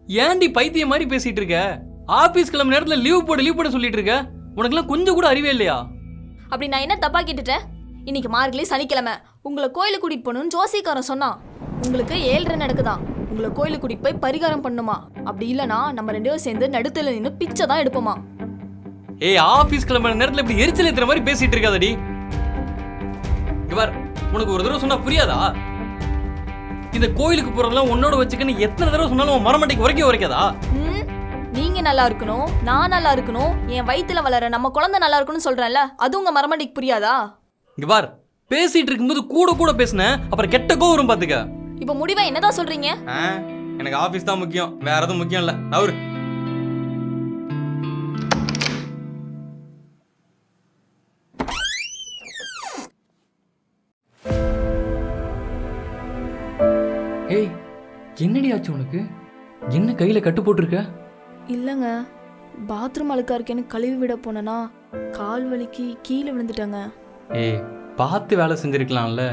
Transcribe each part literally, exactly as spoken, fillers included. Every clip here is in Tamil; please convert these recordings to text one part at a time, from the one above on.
ஏன்டி பைத்தியம் மாதிரி பேசிட்டு இருக்க? ஆபீஸ் கிளம்ப நேரத்துல லீவ் போடு லீவ் போட சொல்லிட்டு இருக்க. உனக்குலாம் கொஞ்சம் கூட அறிவே இல்லையா? அப்படி நான் என்ன தப்பா கேட்டுட்டேன்? இன்னைக்கு மார்கழி சனிக்கிழமை, உங்களை கோயிலுக்கு கூட்டிட்டு போகணும்னு ஜோசிக்காரன் சொன்னான். உங்களுக்கு ஏழ்ரை நடக்குதான், உங்களை கோயிலுக்கு கூட்டிட்டு போய் பரிகாரம் பண்ணுமா. அப்படி இல்லைனா நம்ம ரெண்டு பேரும் சேர்ந்து நடுத்துல நின்று பிச்சை தான் எடுப்போமா. ஏய், ஆபீஸ் கிளம்புற நேரத்துல இப்படி எரிச்சல் ஏத்துற மாதிரி பேசிட்டு இருக்காதடி. இவர் உனக்கு ஒரு தடவை சொன்னா புரியாதா? இந்த கோயிலுக்கு போறதெல்லாம் உன்னோட வச்சுக்கன்னு எத்தனை தடவை சொன்னாலும் உன் மரமட்டைக்கு உரைக்க உரைக்காதா? நீங்க நல்லா இருக்கணும், நான் நல்லா இருக்கணும், என் வயித்துல வளர நம்ம குழந்தை நல்லா இருக்கணும்னு சொல்றேன்ல, அது உங்க மரமட்டைக்கு புரியாதா? இங்க பார், பேசிட்டு இருக்கும்போது கூட கூட பேசுன அப்புறம் கெட்ட கோவம் வரும் பாத்துக்க. இப்ப முடிவா என்னதான் சொல்றீங்க? எனக்கு ஆபீஸ் தான் முக்கியம், வேற எதுவும் முக்கியம் இல்ல. அவரு ஏய், என்னடி ஆச்சு உனக்கு? என்ன கையில கட்டு போட்டிருக்க? இல்லங்க, பாத்ரூம் அழுக்கா இருக்கேன்னு கழுவி விட போனேன்னா கால் வலிக்கு கீழே விழுந்துட்டாங்க. ஏய், பார்த்து வேலை செஞ்சிருக்கலாம்ல.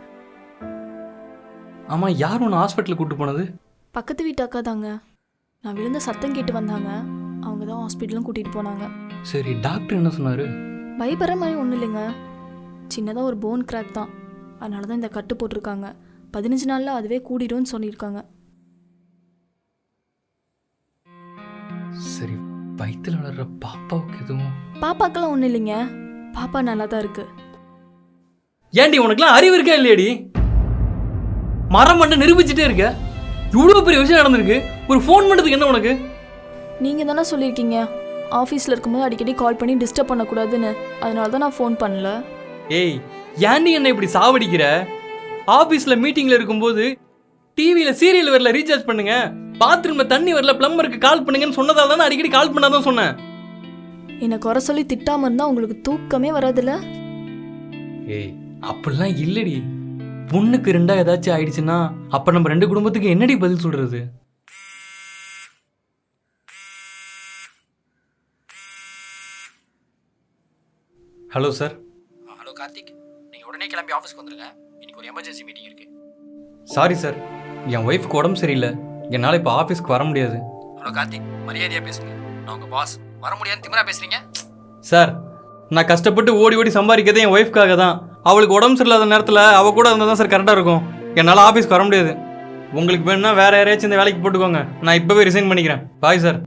ஆமா, யார் உன்னை ஹாஸ்பிட்டலுக்கு கூட்டு போனது? பக்கத்து வீட்டு அக்கா தாங்க. நான் விழுந்த சத்தம் கேட்டு வந்தாங்க, அவங்க தான் ஹாஸ்பிட்டலும் கூட்டிட்டு போனாங்க. சரி, டாக்டர் என்ன சொன்னாரு? பயப்படுற மாதிரி ஒன்றும் இல்லைங்க, சின்னதாக ஒரு போன் கிராக் தான், அதனால தான் இந்த கட்டு போட்டிருக்காங்க. பதினஞ்சு நாளில் அதுவே கூடிடும்னு சொல்லியிருக்காங்க. சரி, வயிற்றுல வளர்ற பாப்பாவுக்கு எதுவும்? பாப்பாக்கெல்லாம் ஒன்றும் இல்லைங்க, பாப்பா நல்லா தான் இருக்கு. ஏன்டி உனக்குலாம் அறிவு இருக்கா இல்லையாடி? மரம் மட்டும் நிரூபிச்சுட்டே இருக்க. இவ்வளோ பெரிய விஷயம் நடந்திருக்கு, ஒரு ஃபோன் பண்ணுறதுக்கு என்ன உனக்கு? நீங்கள் தானே சொல்லியிருக்கீங்க ஆஃபீஸில் இருக்கும்போது அடிக்கடி கால் பண்ணி டிஸ்டர்ப் பண்ணக்கூடாதுன்னு, அதனால தான் நான் ஃபோன் பண்ணல. ஏய், ஏன்டி என்ன இப்படி சாவடிக்கிற? ஆஃபீஸில் மீட்டிங்கில் இருக்கும்போது டிவியில் சீரியல் வரல ரீசார்ஜ் பண்ணுங்க, பாத்ரூமில் தண்ணி வரல பிளம்பருக்கு கால் பண்ணுங்கன்னு சொன்னதால தானே அடிக்கடி கால் பண்ணாதான் சொன்னேன். என்னை குறை சொல்லி திட்டாமல் இருந்தால் உங்களுக்கு தூக்கமே வராதுல்ல? ஏய், அப்படிலாம் இல்லடி. பொண்ணுக்கு ரெண்டா ஏதாச்சும் ஆயிடுச்சுன்னா அப்ப நம்ம ரெண்டு குடும்பத்துக்கு என்னடி பதில் சொல்றது? Hello sir. ஹலோ கார்த்திக், நீங்கள் உடனே கிளம்பி ஆஃபீஸ்க்கு வந்துடுங்க, இன்னைக்கு ஒரு எமர்ஜென்சி மீட்டிங் இருக்குது. சாரி சார், என் ஒய்ஃப்க்கு உடம்பு சரியில்லை, என்னால் இப்போ ஆஃபீஸ்க்கு வர முடியாது. ஹலோ கார்த்திக், மரியாதையாக பேசுங்க, நான் உங்கள் பாஸ். வர முடியாதுன்னு திமிரா பேசுகிறீங்க சார். நான் கஷ்டப்பட்டு ஓடி ஓடி சம்பாதிக்கிறதே என் ஒய்ஃப்காக தான். அவளுக்கு உடம்பு சரியில்லாத நேரத்தில் அவள் கூட இருந்தால் தான் சார் கரெக்டாக இருக்கும். என்னால் ஆஃபீஸ்க்கு வர முடியாது. உங்களுக்கு வேணும்னா வேற யாரையாச்சும் இந்த வேலைக்கு போட்டுக்கோங்க, நான் இப்போவே ரிசைன் பண்ணிக்கிறேன். Bye sir.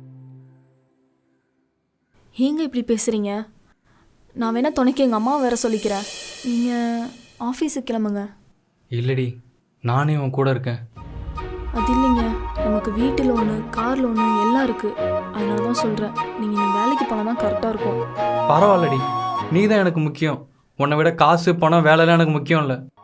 ஏங்க இப்படி பேசுகிறீங்க? நான் வேணா துணைக்கு எங்கள் அம்மா வேற சொல்லிக்கிறேன், நீங்கள் ஆஃபீஸுக்கு கிளம்புங்க. இல்லடி, நானே உன் கூட இருக்கேன். அது இல்லைங்க, நமக்கு வீட்டு லோனு கார் லோனு எல்லாம் இருக்குது, அதனால தான் சொல்கிறேன். நீங்கள் நீ வேலைக்கு போனால் தான் கரெக்டாக இருக்கும். பரவாயில்லடி, நீ தான் எனக்கு முக்கியம். உன்னை விட காசு பணம் வேலைலாம் எனக்கு முக்கியம் இல்லை.